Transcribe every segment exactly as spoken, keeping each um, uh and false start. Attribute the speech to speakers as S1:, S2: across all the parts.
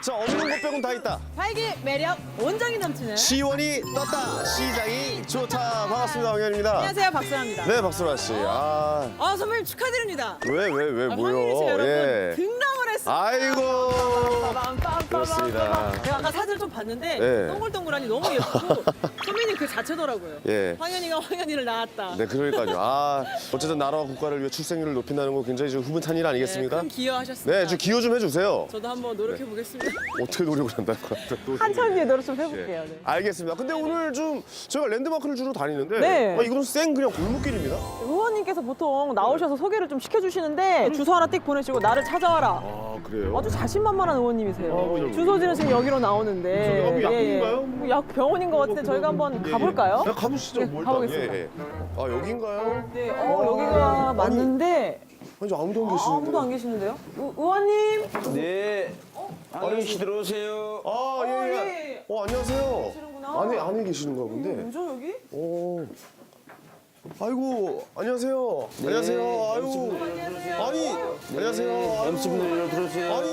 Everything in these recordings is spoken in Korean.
S1: 자, 없는 것 빼곤 다 있다.
S2: 활기, 매력, 온정이 넘치는.
S1: 시원이 떴다. 시장이 좋다. 반갑습니다. 황현입니다.
S2: 안녕하세요, 박수라입니다.
S1: 네, 박수라 씨. 아,
S2: 아, 선배님 축하드립니다.
S1: 왜, 왜, 왜,
S2: 아,
S1: 뭐요?
S2: 황현희 씨 여러분
S1: 예.
S2: 등락을 했습니다.
S1: 아이고.
S2: 빰빰빰빰빰.
S1: 그렇습니다.
S2: 제가 아까 사진을 좀 봤는데
S1: 네.
S2: 동글동글하니 너무 예쁘고 선배님 그 자체더라고요.
S1: 예.
S2: 황현이가 황현이를 낳았다.
S1: 네, 그러니까요. 아, 어쨌든 나라와 국가를 위해 출생률을 높인다는 거 굉장히 좀 흐뭇한 일 아니겠습니까?
S2: 네, 큰 기여하셨습니다.
S1: 네, 좀 기여 좀 해주세요.
S2: 저도 한번 노력해 보겠습니다.
S1: 어떻게 노력을 한다는 거야?
S2: 한참 뒤에 노력 좀 해볼게요. 네.
S1: 알겠습니다. 근데 오늘 좀 저희가 랜드마크를 주로 다니는데
S2: 네.
S1: 아, 이건 생 그냥 골목길입니다.
S2: 의원님께서 보통 나오셔서 소개를 좀 시켜주시는데 주소 하나 띡 보내시고 나를 찾아와라.
S1: 아, 그래요?
S2: 아주 자신만만한 의원님이세요.
S1: 아, 그죠, 그죠.
S2: 주소지는 지금 여기로 나오는데.
S1: 저기가 뭐 약국인가요?
S2: 뭐 약 병원인 것 같은데 저희가 한번
S1: 예,
S2: 가볼까요?
S1: 예. 야, 가보시죠.
S2: 네,
S1: 뭐 일단.
S2: 가보겠습니다.
S1: 예, 예. 아, 여긴가요?
S2: 네, 어, 여기가 맞는데
S1: 아니, 저 아무도 안
S2: 아,
S1: 계시는데.
S2: 아무도 안 계시는데요? 의, 의원님?
S3: 네. 황현 씨 들어오세요.
S1: 아, 예,
S2: 어,
S1: 예.
S2: 예.
S1: 어, 안녕하세요.
S2: 계시는구나.
S1: 안에, 안에 계시는가 본데.
S2: 뭐죠 여기?
S1: 오. 아이고, 안녕하세요.
S3: 네,
S1: 안녕하세요. 아이고. 아니, 안녕하세요. 아이고.
S3: 엠씨분들 들어오세요.
S1: 아니.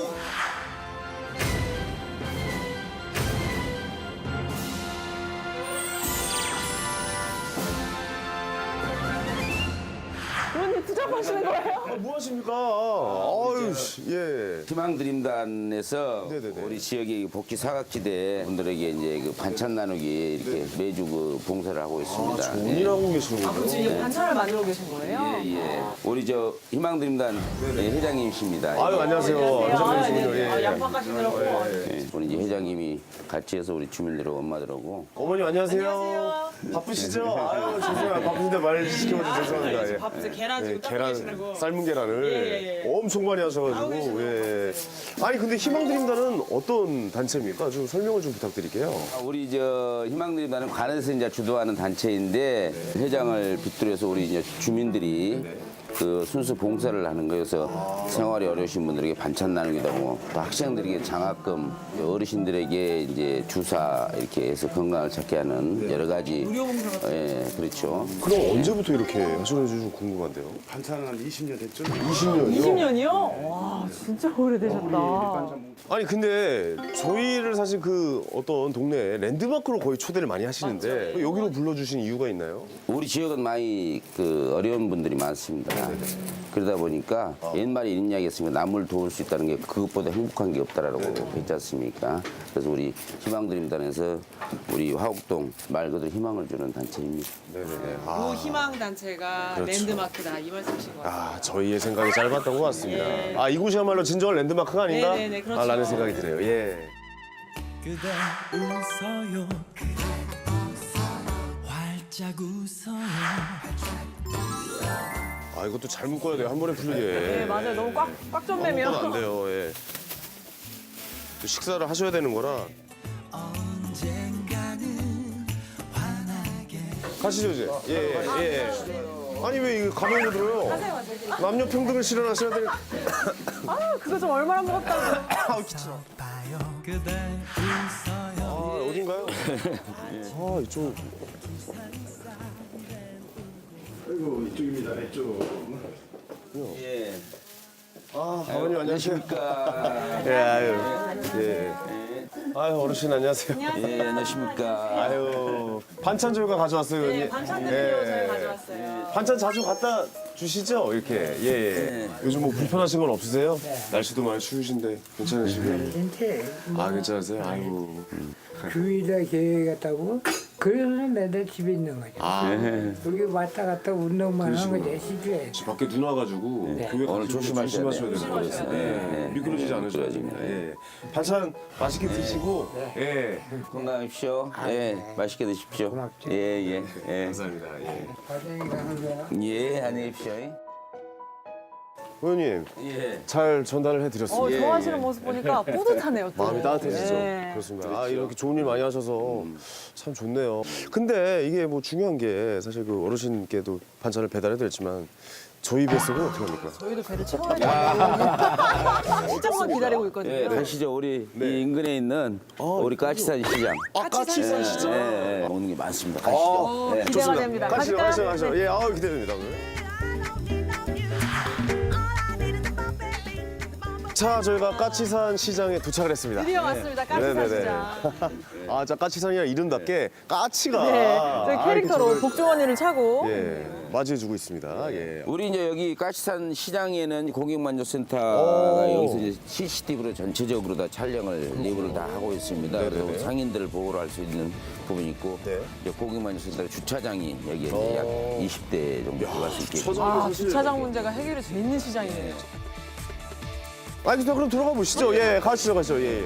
S2: 의원님 투잡하시는 거예요?
S1: 아, 뭐 하십니까? 아유, 씨, 예.
S3: 희망드림단에서
S1: 네네네.
S3: 우리 지역의 복지 사각지대 분들에게 이제 그 반찬 나누기 이렇게 매주 그 봉사를 하고 있습니다.
S1: 네. 좋은 일 하고 계시는군요.
S2: 지금 반찬을 만들고 계신 거예요?
S3: 예, 예. 우리 저 희망드림단 회장님이십니다.
S1: 아유, 안녕하세요.
S2: 아,
S1: 안녕하세요.
S2: 네.
S1: 예,
S2: 아,
S1: 예.
S2: 양파 가시느라고.
S3: 예, 우리 이제 회장님이 같이 해서 우리 주민들하고 엄마들하고
S1: 어머님 안녕하세요.
S2: 안녕하세요.
S1: 바쁘시죠? 아유 죄송해요. 바쁜데 말 시켜봐서 죄송합니다. 예.
S2: 밥, 계란
S1: 예,
S2: 지금 닦고
S1: 계란
S2: 계시라고.
S1: 삶은 계란을
S2: 예, 예, 예.
S1: 엄청 많이 하셔가지고 예. 아니 근데 희망드림단은 어떤 단체입니까? 좀 설명을 좀 부탁드릴게요.
S3: 아, 우리 저 희망드림단은 관에서 이제 주도하는 단체인데 회장을 빗들여서 우리 이제 주민들이 그 순수 봉사를 하는 거여서 생활이 어려우신 분들에게 반찬 나누기도 하고 또 학생들에게 장학금, 어르신들에게 이제 주사 이렇게 해서 건강을 찾게 하는 여러 가지
S2: 무료 봉사 같은
S3: 예, 그렇죠.
S1: 그럼 언제부터 이렇게 하시는지 좀 궁금한데요.
S4: 반찬은 한 이십 년 됐죠?
S1: 이십 년이요?
S2: 이십 년이요? 와, 진짜 오래되셨다.
S1: 아니 근데 저희를 사실 그 어떤 동네에 랜드마크로 거의 초대를 많이 하시는데 여기로 불러주신 이유가 있나요?
S3: 우리 지역은 많이 그 어려운 분들이 많습니다. 그러다 보니까 옛말에 이런 이야기 했으니까 남을 도울 수 있다는 게 그것보다 행복한 게 없다라고 했지 않습니까? 그래서 우리 희망드림단에서 우리 화곡동 말 그대로 희망을 주는 단체입니다.
S1: 네네네.
S2: 그 희망 단체가
S1: 그렇죠.
S2: 랜드마크다 이 말씀이신 것 같아요.
S1: 아, 저희의 생각이 짧았던 것 같습니다.
S2: 예.
S1: 아, 이곳이야말로 진정한 랜드마크가 아닌가?
S2: 네네네, 그렇죠.
S1: 아, 라는 생각이 드네요. 예.
S5: 그대 웃어요 활짝 웃어요
S1: 아, 이것도 잘 묶어야 돼요. 한 번에 풀리게.
S2: 네, 맞아요. 너무 꽉, 꽉 좀 매면.
S1: 안 돼요. 예. 또 식사를 하셔야 되는 거라.
S5: 언젠가는 환하게
S1: 가시죠, 이제. 예, 예. 아니, 왜 이거 가방을 들어요? 남녀 평등을 실현하셔야 될.
S2: 아, 그거 좀 얼마나 먹었다고.
S1: 아우, 귀찮아.
S5: 봐요 그대 웃어요
S1: 아, 어딘가요? 아, 이쪽.
S4: 아이고 이쪽입니다. 이쪽.
S3: 예.
S1: 아, 아버님 안녕하세요.
S3: 안녕하십니까.
S1: 예, 아유. 예. 아유, 어르신 안녕하세요.
S3: 예, 안녕하십니까.
S1: 아유, 반찬 저희가 가져왔어요.
S2: 네,
S1: 예.
S2: 반찬들이요.
S1: 예.
S2: 저희 가져왔어요.
S1: 반찬 자주 갖다 주시죠? 이렇게. 예, 예. 요즘 뭐 불편하신 건 없으세요? 날씨도 많이 추우신데 괜찮으시고요?
S6: 괜찮대.
S1: 아, 괜찮으세요? 아이고.
S6: 주일에 계획 같다고. 그래서 매달 집에 있는 거죠.
S1: 아,
S6: 여기 왔다 갔다 운동만 하는 거지, 시주에.
S1: 집 밖에 눈 와가지고
S6: 네.
S1: 교회
S3: 오늘
S1: 가시면
S3: 조심하셔야
S1: 조심하셔야
S3: 돼요.
S1: 될것 같아요.
S3: 네.
S1: 예. 미끄러지지 않으셔야
S3: 미끄러집니다.
S1: 됩니다. 예. 반찬 맛있게 드시고, 예.
S3: 건강하십시오. 예, 맛있게 드십시오.
S6: 고맙죠.
S3: 예, 예, 예.
S1: 감사합니다. 예.
S6: 과장이가 한 거야.
S3: 예, 안녕히 계십시오.
S1: 의원님,
S3: 예.
S1: 잘 전달을
S2: 어,
S1: 해드렸습니다.
S2: 좋아하시는 모습 보니까 뿌듯하네요. 또.
S1: 마음이 따뜻해지죠.
S2: 네.
S1: 그렇습니다. 아, 이렇게 좋은 일 많이 하셔서 참 좋네요. 근데 이게 뭐 중요한 게 사실 그 어르신께도 반찬을 배달해드렸지만 저희 뱃속은 어떻게 합니까?
S2: 저희도 배를 채워야 돼요. 시장만 기다리고 있거든요.
S3: 예, 가시죠. 우리 이 인근에 있는 우리 까치산 시장.
S1: 아, 까치산
S3: 예,
S1: 시죠?
S3: 예, 예. 오는 게 많습니다. 가시죠.
S2: 어,
S3: 예.
S2: 기대가 됩니다.
S1: 가시죠,
S2: 가실까요?
S1: 가시죠, 가시죠.
S2: 네.
S1: 예, 아우 기대됩니다. 오늘. 자, 저희가 까치산 시장에 도착을 했습니다.
S2: 드디어 왔습니다. 까치산
S1: 네네네.
S2: 시장.
S1: 아, 자, 까치산이라 이름답게 까치가
S2: 네, 저희
S1: 아,
S2: 캐릭터로
S1: 이렇게 저를,
S2: 복종원이를 차고
S1: 예, 맞이해주고 있습니다. 예.
S3: 우리 이제 여기 까치산 시장에는 고객만족센터가
S1: 오.
S3: 여기서 이제 씨씨티비로 전체적으로 다 촬영을 리뷰를 다 하고 있습니다.
S1: 네네네.
S3: 그래서 상인들을 보호를 할 수 있는 부분이 있고
S1: 네.
S3: 이제 고객만족센터 주차장이 여기에 이제
S1: 오.
S3: 약 이십 대 정도 들어갈 수 있게.
S2: 아, 주차장 문제가 해결이 돼 있는 시장이네요.
S1: 알겠습니다. 그럼 들어가 보시죠. 예, 가시죠, 가시죠. 예. 예.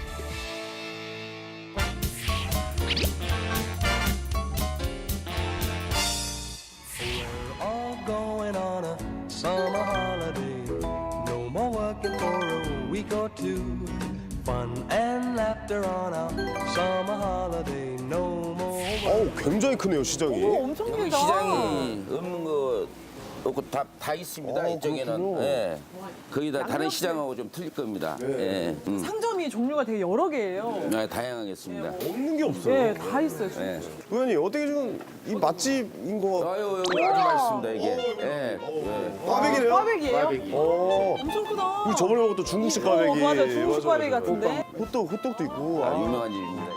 S5: all going on a summer holiday. No more working for a week or two. Fun and laughter on a summer holiday. No more work.
S1: 어우, 굉장히 크네요, 시장이.
S2: 오, 엄청
S3: 여기
S2: 길다.
S3: 시장이 없는 거 없고 다, 다 있습니다.
S1: 어,
S3: 이쪽에는.
S1: 그렇군요.
S3: 예. 거의 다 다른 시장하고 좀 틀릴 겁니다. 예. 음.
S2: 상점이 종류가 되게 여러 개예요.
S3: 네, 다양하겠습니다.
S1: 없는 게 없어요.
S2: 네, 다 있어요. 진짜.
S3: 예.
S1: 의원님, 어떻게 지금 이 맛집인 거
S3: 아유, 여기 아주 맛있습니다, 이게. 예. 예.
S1: 꽈배기네요?
S2: 꽈배기예요?
S1: 어.
S2: 엄청 크다.
S1: 우리 저번에 먹었던 중국식 꽈배기.
S2: 어, 맞아요. 중국식
S1: 맞아,
S2: 꽈배기
S1: 맞아.
S2: 같은데.
S1: 호떡, 호떡도 있고.
S3: 아,
S1: 아,
S3: 유명한 집입니다,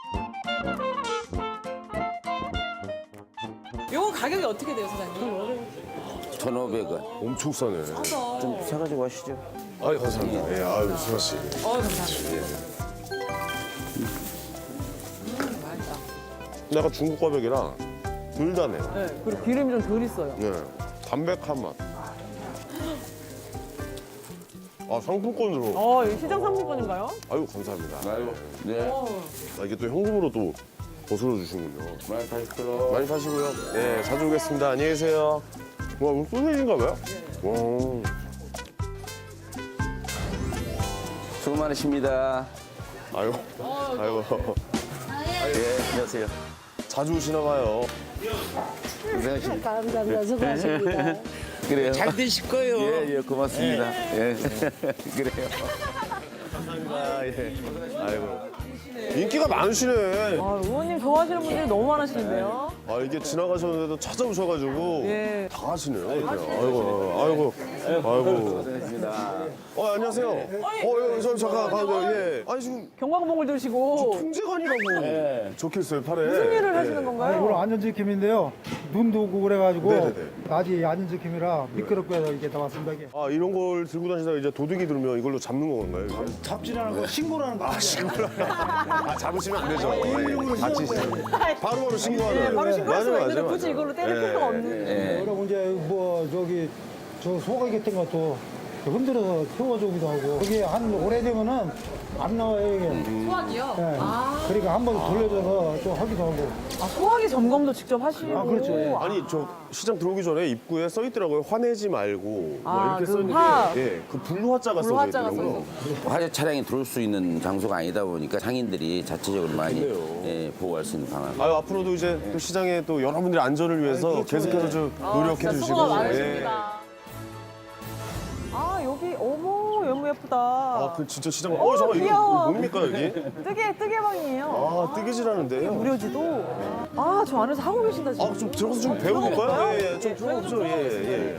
S3: 이게.
S2: 요거 가격이 어떻게 돼요, 사장님?
S3: 천오백 원.
S1: 엄청 싸네.
S3: 좀 사가지고 가시죠.
S1: 아유, 감사합니다. 예, 아유, 수아 씨.
S2: 어, 감사합니다.
S1: 약간 중국 꽈배기랑 덜 다네요.
S2: 네, 그리고 기름이 좀 덜 있어요.
S1: 네, 담백한 맛. 아, 상품권으로.
S2: 어, 이거 시장 상품권인가요?
S1: 아유, 감사합니다.
S3: 아유, 네.
S1: 아, 이게 또 현금으로 또 거슬러 주시군요.
S3: 많이 파시도록.
S1: 많이 파시고요. 네, 자주 오겠습니다. 안녕히 계세요. 와, 이거 소세지인가 봐요? 와.
S3: 수고 많으십니다.
S1: 아유, 아이고.
S3: 예, 안녕하세요.
S1: 자주 오시나 봐요.
S3: 고생하십니다.
S7: 감사합니다. 수고하십니다.
S3: 그래요.
S7: 잘 되실 거예요.
S3: 예, 예, 고맙습니다. 예. 그래요.
S1: 감사합니다. 예. 아이고. 인기가 많으시네.
S2: 아, 의원님 좋아하시는 분들이 너무 많으시는데요.
S1: 아, 이게 지나가셨는데도 찾아오셔가지고
S2: 예.
S1: 다 하시네요. 이렇게. 아이고, 아이고, 아이고. 어, 안녕하세요. 어, 예, 저 잠깐 가요. 예. 아니 지금
S2: 경광봉을 드시고
S1: 통제관이라고 적혀 있어요 팔에.
S2: 무슨 일을
S1: 예.
S2: 하시는
S8: 오늘
S2: 건가요?
S8: 안전지킴인데요. 눈도 오고 그래가지고
S1: 네네네.
S8: 아직 안전지킴이라 미끄럽고 해서 이게 나왔습니다. 이게.
S1: 아, 이런 걸 들고 다니다가 이제 도둑이 들으면 이걸로 잡는 건가요? 이게?
S8: 잡지라는 거 신고를 하는 거. 아, 신고를
S1: 아, 잡으시면 안 되죠. 예, 다치시면. 바로바로 신고하는.
S2: 네, 바로 신고할 수가
S1: 맞아요,
S2: 있는데
S1: 맞아요,
S2: 굳이
S1: 맞아요.
S2: 이걸로 때릴
S1: 예.
S2: 필요가 없는.
S8: 그리고 이제 뭐 저기 저 소고기 같은 것도 흔들어서 태워주기도 하고 그게 한 오래되면은 안 나와요 이게.
S2: 소화기요?
S8: 예.
S2: 아,
S8: 그러니까 한 번 돌려줘서 좀 하기도 하고.
S2: 아, 소화기 점검도 직접 하시고.
S8: 아, 그렇죠. 예.
S1: 아니 저 시장 들어오기 전에 입구에 써 있더라고요. 화내지 말고 뭐
S2: 아,
S1: 이렇게
S2: 그
S1: 써 있는데
S2: 화.
S1: 예, 그 불화자가 써져
S2: 불화자가
S1: 있더라고요.
S3: 화재 차량이 들어올 수 있는 장소가 아니다 보니까 상인들이 자체적으로 많이 예, 보호할 수 있는 방안.
S1: 아유, 앞으로도 이제 또 시장에 또 여러분들의 안전을 위해서 계속해서 좀 노력해
S2: 진짜
S1: 주시고.
S2: 수고가
S1: 예.
S2: 많으십니다. 아, 여기 어머 너무 예쁘다.
S1: 아, 그 진짜 시장. 어, 잠깐 이거
S2: 귀여워.
S1: 뭡니까 여기?
S2: 뜨개 뜨개방이에요.
S1: 아, 뜨개질하는데요.
S2: 무료지도. 아, 저 안에서 하고 계신다 지금.
S1: 아, 좀 들어가서 좀 배워볼까요? 예, 예, 좀 들어가보죠. 예, 예.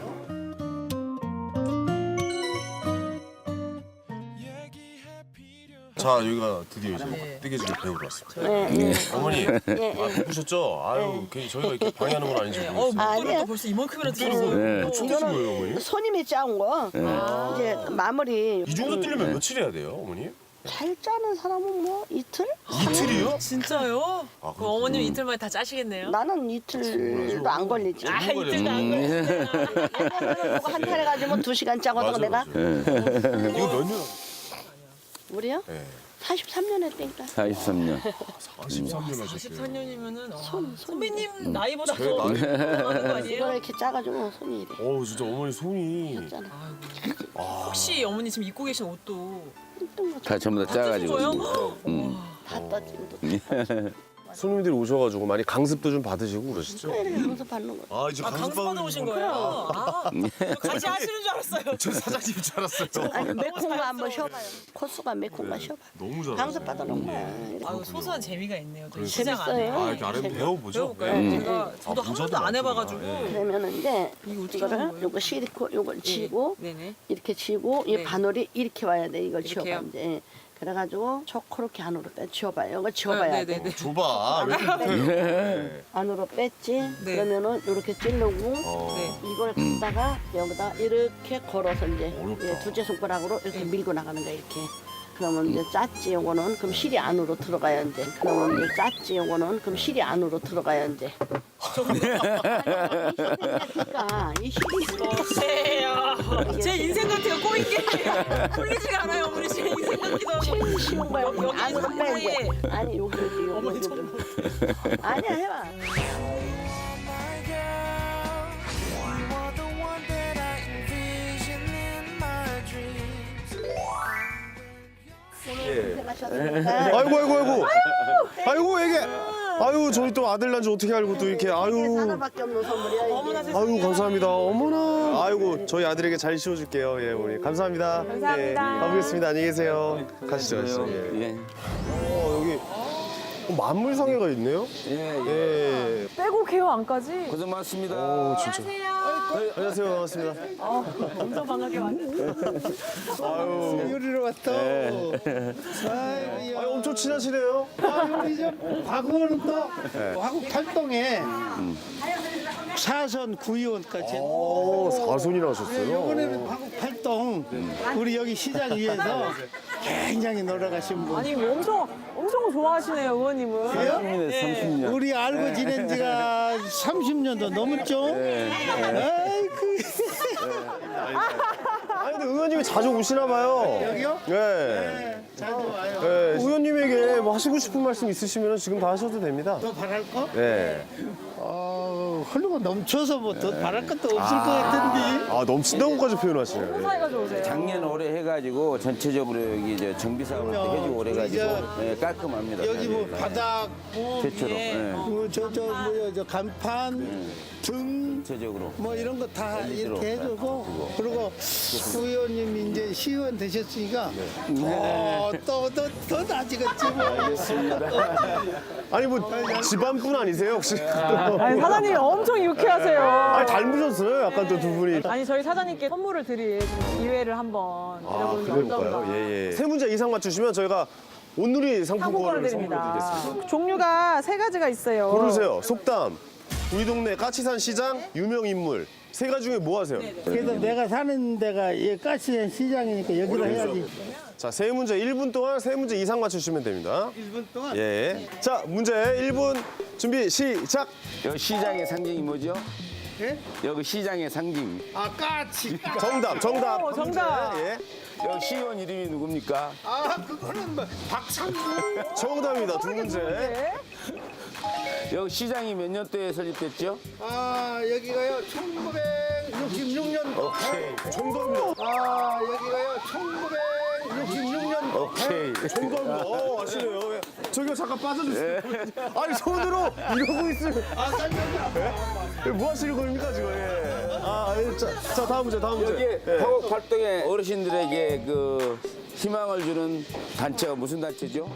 S1: 자, 여기가 드디어 이제 뜨개질을 배우러 왔습니다. 어머니, 아, 바쁘셨죠? 아유, 괜히 저희가 이렇게 방해하는 건 아닌지 모르겠어요.
S7: 아니야.
S2: 벌써 이만큼이나 들어.
S3: 네.
S1: 어떻게 준 거예요, 어머니?
S7: 손님이 짜온 거. 이제 마무리.
S1: 이 정도 뜨려면 며칠 해야 돼요, 어머니?
S7: 잘 짜는 사람은 뭐 이틀?
S1: 이틀이요?
S9: 진짜요?
S1: 아,
S9: 그 어머님 이틀 만에 다 짜시겠네요?
S7: 나는 이틀도 안 걸리지.
S9: 아, 이틀도 안 걸려.
S7: 옛날에는 누구 한탈 해가지고 두 시간 짜거든
S1: 맞아,
S7: 내가.
S1: 맞아. 이거 몇 년?
S7: 우리요?
S1: 네.
S7: 사십삼 년 했다니까.
S3: 사십삼 년.
S1: 사십삼 년 하셨어요.
S9: 사십삼 년이면은 어,
S7: 손, 손.
S9: 선배님 나이보다
S1: 제
S9: 더
S1: 나이-
S9: 많은 거
S7: 이걸
S9: 아니에요?
S7: 이렇게 짜가지고 손이 이래.
S1: 어우, 진짜 어머니 손이.
S7: 잖아.
S9: 혹시 어머니 지금 입고 계신 옷도
S3: 다 전부 다 짜가지고.
S9: 찢어져요?
S3: 음.
S7: 다 떠지고.
S1: 손님들이 오셔가지고 많이 강습도 좀 받으시고 그러시죠?
S7: 이렇게 강습하는 거.
S1: 아 이제
S9: 아, 강습 받아오신 거예요? 아, 저 같이 하시는 줄 알았어요.
S1: 저 사장님인 줄 알았어요.
S7: 아니 매콤가 한번 쉬어봐요. 코스가 매콤가 쉬어봐.
S1: 너무 잘하시네.
S7: 강습 받아놓은 거야.
S9: 아유, 소소한 재미가 있네요. 저희
S7: 재밌어요.
S9: 시장 안에.
S1: 아 이렇게 아래 배워보죠.
S9: 배워볼까요? 제가 저도 한 번도 안 해봐가지고.
S7: 그러면은 이제
S9: 이거 어떻게
S7: 이거를
S9: 하는 거예요?
S7: 요거 시리코 요걸 쥐고
S9: 네네.
S7: 이렇게 쥐고 이
S9: 네.
S7: 바늘이 이렇게 와야 돼. 이걸
S9: 이렇게요?
S7: 쥐어봐 이제. 그래가지고 초코렇게 안으로 빼 쥐어봐요. 이거 쥐어봐야
S9: 네,
S7: 돼.
S9: 네, 네.
S1: 줘봐. 왜 이렇게 못해요?
S7: 안으로 뺐지.
S9: 네.
S7: 그러면은 이렇게 찌르고
S9: 네.
S7: 이걸 갖다가 여기다 이렇게 걸어서 이제 예, 두째 손가락으로 이렇게 밀고 나가는 거야 이렇게. 그러면 이제 짰지 요거는 그럼 실이 안으로 들어가야 이제. 그러면 이제 짰지 요거는 그럼 실이 안으로 들어가야 이제. 그러니까 이 실이
S9: 세요. 제 인생 같아요. 꼬인 게 풀리지가 않아요. 어머니 제 인생 같기도 하고.
S7: 제일 쉬운 거야.
S9: 여기 여기
S7: 안으로 빼
S9: 손목에.
S7: 이제. 아니 여기 여기 여기
S9: 어머니
S7: 여기.
S9: 손목.
S7: 아니야 해봐. 고생하셨습니다.
S1: 아이고 아이고 아이고. 아이고 애기. 아유 저희 또 아들 난지 어떻게 알고 또 이렇게
S7: 이게
S1: 아유.
S7: 하나밖에 없는 선물이야.
S9: 어머나
S7: 이게.
S9: 세상에.
S1: 아유 감사합니다. 어머나. 아이고 저희 아들에게 잘 씌워줄게요. 예 우리 감사합니다.
S2: 감사합니다.
S1: 예, 가보겠습니다. 안녕히 계세요. 가시죠 가시죠. 예.
S3: 예.
S1: 어 여기 어, 만물상회가 있네요.
S3: 예, 예.
S1: 예.
S2: 빼고 개요 안까지.
S3: 고생 많습니다.
S1: 어 진짜. 네, 안녕하세요 반갑습니다.
S2: 엄청 반갑게 왔는데.
S1: 아유.
S8: 요리로 왔다.
S1: 아유 엄청 친하시네요.
S8: 우리 저 과거는 또 화국 팔동에 사선 구의원까지.
S1: 오 사손이나 하셨어요.
S8: 이번에는 화국 팔동 우리 여기 시장 위에서 굉장히 놀아가신 분.
S2: 아니 뭐 엄청 엄청 좋아하시네요 의원님은.
S3: 삼십 년.
S8: 우리 알고 지낸 지가 삼십 년도 넘었죠? 아이고.
S1: 아니 근데 의원님이 자주 오시나 봐요.
S8: 여기요?
S1: 네.
S8: 자주 와요.
S1: 네. 의원님에게 뭐 하시고 싶은 말씀 있으시면 지금 다 하셔도 됩니다.
S8: 더 바랄 거?
S1: 네.
S8: 어, 흘러가 넘쳐서 뭐 더 바랄 것도 없을 것 같은데.
S1: 아 넘친다고까지 표현하시네요. 예.
S2: 사이가 좋으세요.
S3: 작년 올해 해가지고 전체적으로 여기 저 정비 사업을 또 해주고 오래 가지고 예, 깔끔합니다.
S8: 여기 뭐
S3: 예.
S8: 바닥,
S3: 최초로 예.
S8: 뭐 저 저 뭐야 저 간판, 등.
S3: 전체적으로.
S8: 뭐 이런 거 다
S3: 엘이디로
S8: 이렇게 해주고 그리고 의원님 이제 시의원 되셨으니까 어, 또더더 나아지겠지 뭐.
S1: 아니 뭐 집안분 아니세요 혹시?
S2: 아니 사장님 엄청 유쾌하세요.
S1: 아니 닮으셨어요 약간 또 두 분이.
S2: 아니 저희 사장님께 선물을 드릴 좀 기회를 한번
S1: 아
S2: 드려보는 게
S1: 그럴까요?
S2: 어떤가.
S1: 예예. 세 문제 이상 맞추시면 저희가 온누리
S2: 상품권을
S1: 상품권을 선물로
S2: 드립니다.
S1: 드리겠습니다.
S2: 종류가 세 가지가 있어요.
S1: 고르세요. 속담. 우리 동네 까치산 시장 유명 인물. 세 가지 중에 뭐 하세요?
S8: 그래서 내가 사는 데가 이 가스현 시장이니까 여기로 해야지.
S1: 자, 세 문제 일 분 동안 세 문제 이상 맞추시면 됩니다.
S8: 일 분 동안.
S1: 예. 자, 문제 일 분 준비 시작.
S3: 여기 시장의 상징이 뭐죠?
S8: 예?
S3: 여기 시장의 상징.
S8: 아 까치.
S1: 정답, 정답.
S2: 오, 정답.
S1: 문제. 예.
S3: 여기 시의원 이름이 누굽니까?
S8: 아 그거는 뭐 박상구.
S1: 정답입니다. 두 문제.
S2: 네.
S3: 여기 시장이 몇 년도에 설립됐죠?
S8: 아 여기가요 천구백육십육 년도.
S1: 오케이. 정답입니다.
S8: 아 여기가요 천구백육십육 년도.
S3: 오케이.
S1: 정답입니다. 어, 아시네요. 예. 저기요 잠깐 빠져주세요. 아니 손으로 이러고 있으면.
S8: 아 깜짝이야.
S1: 예? 뭐 하시는 겁니까 지금? 예. 아, 예. 자, 자 다음 문제, 다음 문제.
S3: 여기
S1: 예.
S3: 화곡 활동에 어르신들에게 그 희망을 주는 단체가 무슨 단체죠?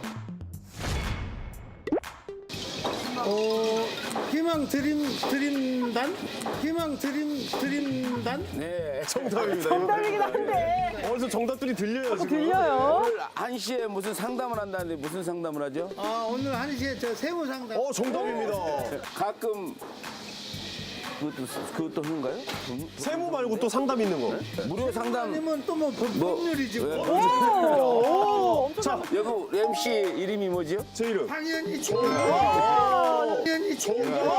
S8: 어 희망 드림 드림단? 희망 드림 드림단?
S3: 네.
S1: 정답입니다.
S2: 정답이긴 한데.
S1: 어디서 정답들이 들려요 지금?
S2: 들려요?
S3: 오늘 한 시에 무슨 상담을 한다는데 무슨 상담을 하죠?
S8: 아 오늘 한 시에 저 세무 상담.
S1: 어, 정답입니다.
S3: 가끔 그것도 그것도 하는가요?
S1: 세무 말고 또 상담 있는 거.
S3: 무료 상담.
S8: 아니면 또뭐
S3: 뭐,
S8: 법률이지.
S3: 왜?
S8: 뭐.
S1: 자,
S3: 여기 엠씨 이름이 뭐죠?
S1: 제 이름.
S8: 당연히 총. 당연히 총.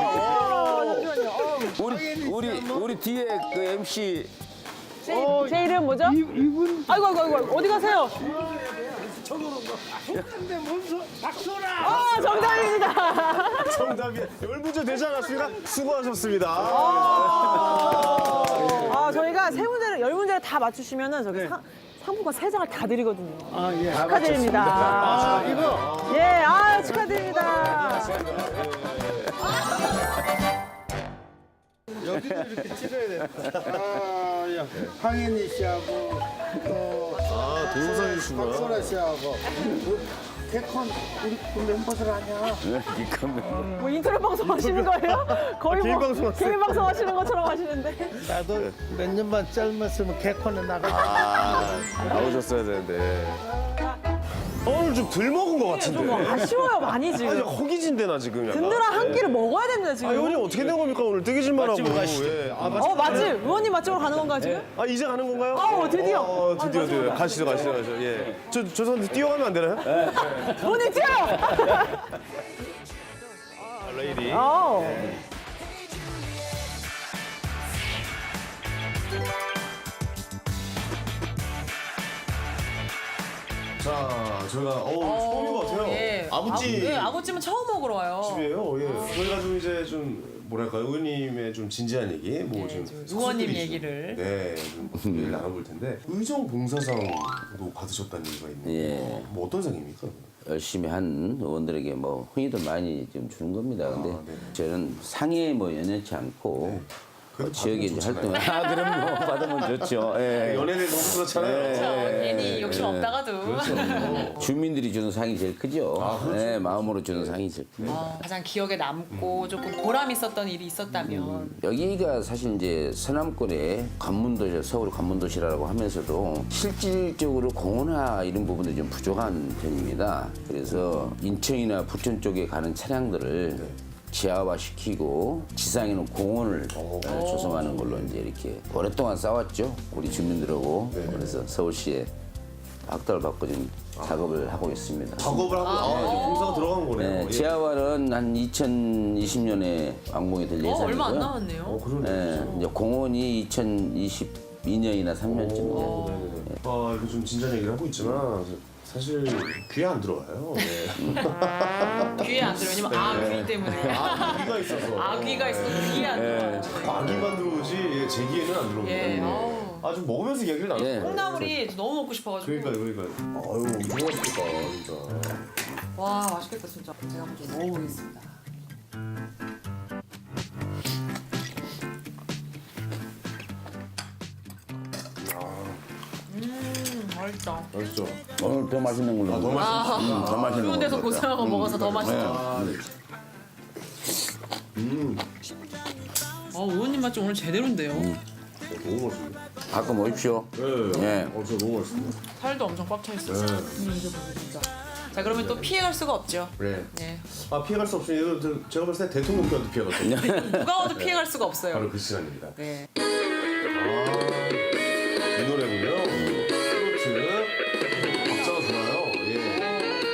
S3: 우리 우리 우리 뒤에 그 엠씨
S2: 제, 제 이름 뭐죠?
S8: 이분
S2: 아이고 아이고 아이고 어디 가세요?
S8: 근데 뭔소 박소라.
S2: 아 정답입니다.
S1: 정답이 열 문제 되지 않았습니까? 수고하셨습니다.
S2: 아 저희가 세 문제를 열 문제를 다 맞추시면은 저기 상, 상품권 세 장을 다 드리거든요.
S8: 아, 예.
S2: 축하드립니다.
S8: 아, 이거.
S2: 예, 아 축하드립니다.
S8: 여기도 이렇게 찍어야 돼. 아, 야. 황현희 씨하고 또
S1: 아, 동영상이시구나.
S8: 박소라 씨하고 그 개콘 우리 그 멤버들 아니야?
S2: 뭐 인터넷 방송 하시는 거예요? 거의
S1: 개인
S2: 뭐
S1: 방송 하세요?
S2: 개인 방송 하시는 것처럼 하시는데.
S8: 나도 몇 년만 짧았으면 개콘에 나가.
S1: 아, 나오셨어야 되는데. 오늘 좀 덜 먹은 것 같은데.
S2: 좀 아쉬워요 많이
S1: 아니,
S2: 지금.
S1: 허기진데 나 지금. 약간.
S2: 든든한 한 끼를 먹어야 됩니다
S1: 아,
S2: 지금.
S1: 의원님 어떻게 된 겁니까 오늘 뜨개질만 하고. 예. 아,
S2: 어 맛집 의원님 맛집으로 가는 건가요 지금?
S1: 아 이제 가는 건가요?
S2: 어, 드디어.
S1: 어, 드디어
S2: 아,
S1: 드디어
S2: 맞아요.
S1: 가시죠 가시죠 가시죠. 예. 저 죄송한데 뛰어가면 안 되나요?
S2: 의원님 뛰어.
S1: 아, 레이디.
S2: 어.
S1: 자 저희가 어 처음인 것 같아요.
S9: 예.
S1: 아구찜
S9: 아, 네, 아구찜은 처음 먹으러 와요.
S1: 집이에요. 예. 저희가 좀 이제 좀 뭐랄까 의원님의 좀 진지한 얘기, 뭐 좀
S9: 좀 의원님
S1: 가족들이
S9: 얘기를.
S1: 좀, 네, 좀 얘기를 나눠볼 텐데 의정 봉사상도 받으셨다는 얘기가 있는데
S3: 예.
S1: 뭐 어떤 상입니까?
S3: 열심히 한 의원들에게 뭐 흥이도 많이 좀 주는 겁니다. 근데
S1: 아, 네.
S3: 저는 상에 뭐 연연치 않고
S1: 그래도
S3: 어, 지역에
S1: 받으면
S3: 이제
S1: 좋잖아요.
S3: 활동. 아 그럼 뭐 받으면 좋죠. 예.
S1: 연예대 너무 그렇잖아요.
S9: 그렇죠. 괜히 욕심 없다가도.
S1: 그렇죠.
S3: 주민들이 주는 상이 제일 크죠. 네, 마음으로 주는 상이 제일 크죠.
S9: 어, 가장 기억에 남고 조금 보람 있었던 일이 있었다면.
S3: 여기가 사실 이제 서남권의 관문도시, 서울 관문도시라고 하면서도 실질적으로 공원화 이런 부분들이 좀 부족한 편입니다. 그래서 인천이나 부천 쪽에 가는 차량들을 지하화 시키고 지상에는 공원을 네, 조성하는 걸로 이제 이렇게 오랫동안 싸웠죠. 우리 주민들하고. 그래서 서울시에 학달을 받고 지금 작업을 하고 있습니다.
S1: 작업을 하고 아, 이제 봉사가 들어간 거네요.
S3: 네,
S1: 예.
S3: 지하화는 한 이천이십 년에 완공이 될
S9: 어,
S3: 예정이고요.
S9: 얼마 안 남았네요.
S1: 어, 그러네.
S3: 네, 이제 공원이 이천이십이 년이나 삼 년쯤 이제.
S1: 아 이거 좀 진지한 얘기를 하고 있지만 사실 귀에 안 들어와요. 네.
S9: 귀에 안 들어요. 왜냐면 아귀 때문에.
S1: 아, 귀가 있어서.
S9: 아귀가 있어서 귀에 안 들어요.
S1: 아기만 들어오지 예, 제 귀에는 안 들어옵니다.
S9: 예, 아우.
S1: 아 좀 먹으면서 얘기를 나눠.
S3: 예.
S9: 콩나물이 너무 먹고 싶어가지고.
S1: 그러니까요, 그러니까요. 아유, 이거 맛있겠다, 진짜.
S9: 와 맛있겠다 진짜. 제가 한번 좀 먹어보겠습니다. 음 맛있다.
S1: 맛있죠?
S3: 오늘 더 맛있는 걸로.
S1: 더 맛있어.
S3: 음, 더 맛있는
S9: 좋은 데서
S3: 걸로.
S9: 고생하고 먹어서 더 맛있다.
S1: 아, 네.
S9: 어 의원님 맛 좀 오늘 제대로인데요.
S1: 너무 맛있네.
S3: 가끔 오십시오.
S1: 네.
S3: 예.
S1: 어, 진짜 너무 맛있습니다.
S9: 살도 엄청 꽉 차 있어요.
S1: 네.
S9: 음, 이제 보세요, 진짜. 자 그러면 또 피해갈 수가 없죠.
S1: 네.
S9: 네.
S1: 아, 피해갈 수 없으니 이거 저- 제가 봤을 때 대통령께도 피해갈 수 없어요.
S9: 누가 와도 피해갈 수가 없어요.
S1: 바로 그 시간입니다.
S9: 네.
S1: 아, 이 노래군요. 트로트. 박자가 좋아요. 예.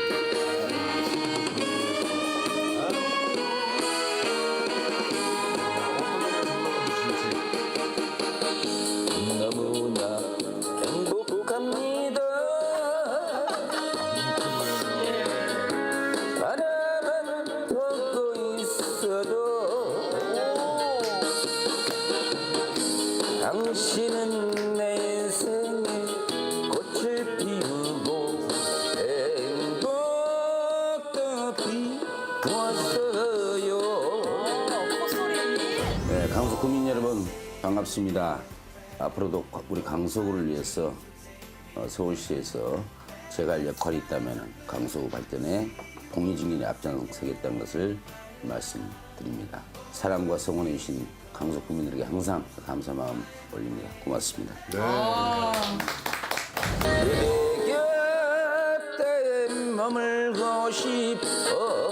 S3: 너무나 행복합니다. 바라만 보고 있어도 당신은 내 인생에 꽃을 피우고 행복도 피웠어요.
S9: 콧소리.
S3: 네, 강서 구민 여러분 반갑습니다. 앞으로도 우리 강서구를 위해서 어, 서울시에서 제가 할 역할이 있다면 강서구 발전에 공리증진에 앞장서겠다는 것을 말씀드립니다. 사랑과 성원해 주신 강서 구민들에게 항상 감사 마음 올립니다. 고맙습니다. 그대 곁에 머물고 싶어.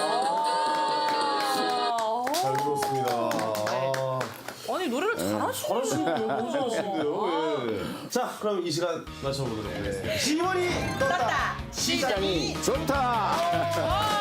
S1: 잘 들었습니다. 아,
S9: 아니 노래를 잘하시네요.
S1: 잘하시는데요? 너무 잘하시는데요? 예. 자, 그럼 이 시간 맞춰보도록 하겠습니다. 시원이 떴다.
S3: 시장이 좋다.